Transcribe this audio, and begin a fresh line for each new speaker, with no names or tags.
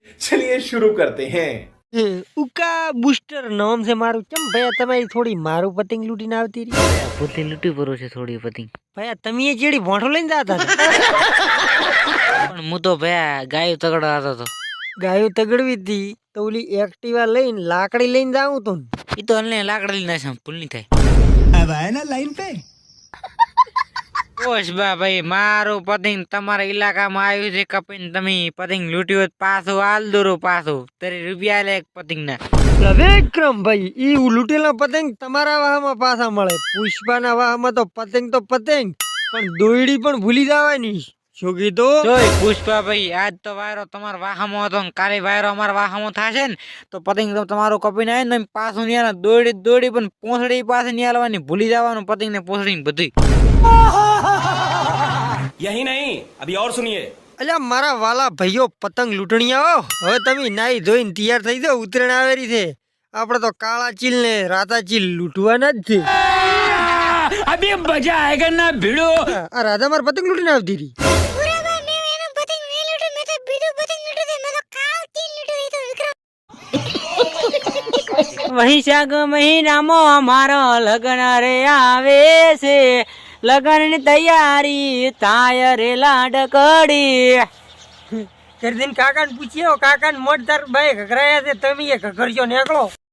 चलिए शुरू करते हैं।
ઉકા બુસ્ટર નામ છે મારું. ચમ ભયા તમારી થોડી મારું પતંગ લૂટીને આવતી રહી.
પોતે લૂંટી પરો છે થોડી પતંગ.
ભયા તમે એ જેડી ભોંઠો લઈને જતા હતા.
પણ હું તો ભયા ગાયો તગડો હતો તો.
ગાયો તગડવી હતી તો ઓલી એક્ટિવા લઈને લાકડી લઈને જાઉં તો
એ તો અમને લાકડા લઈને નાશે ભૂલ નહીં થાય.
अब आए ना लाइन पे।
ઓશ બા ભાઈ મારું પતંગ તમારા ઇલાકામાં આવ્યું છે કપીને તમે પતંગ લૂંટ્યું હોત પાછું હાલ દોરો પાછું 30 રૂપિયા લે એક પતંગ ના.
વિક્રમ ભાઈ ઈ લૂટેલા પતંગ તમારા વાહમાં પાછા મળે. પુષ્પાના વાહમાં તો પતંગ પણ દોયડી પણ ભૂલી જવાની. શું કીધું?
જોઈ પુષ્પા ભાઈ આજ તો વાયરો તમારા વાહામાં હતો ને કાલે વાયરો અમારા વાહામાં થશે ને તો પતંગ તો તમારું કપીને આવે ને પાછું નહીં દોડી પણ પોસડી પાસે નહીં આવવાની ભૂલી જવાનું પતંગ ને પોસડી બધું.
यही नहीं अभी और सुनिए।
અલ્યા મારા વાલા ભાઈઓ પતંગ લૂંટણીયાઓ હવે તમે નાઈ ધોઈને તૈયાર થઈ જાઓ. ઉત્તરાયણ આવેલી છે. આપણે તો કાળા ચીલ ને રાતા ચીલ લૂંટવાના જ છે.
અભી મજા આયેગા ના ભીડો.
આ રાધા માર પતંગ લૂંટીને આવતી રહી.
વૈશાખ મહિનામાં અમારો લગ્ન રે આવે છે. લગ્ન ની તૈયારી થાય રે લાડકડી.
કરી દઈને કાકાને પૂછ્યો કાકાને મોટ તાર ભાઈ ઘઘરાયા છે તમે એ ઘઘરજો નીકળો.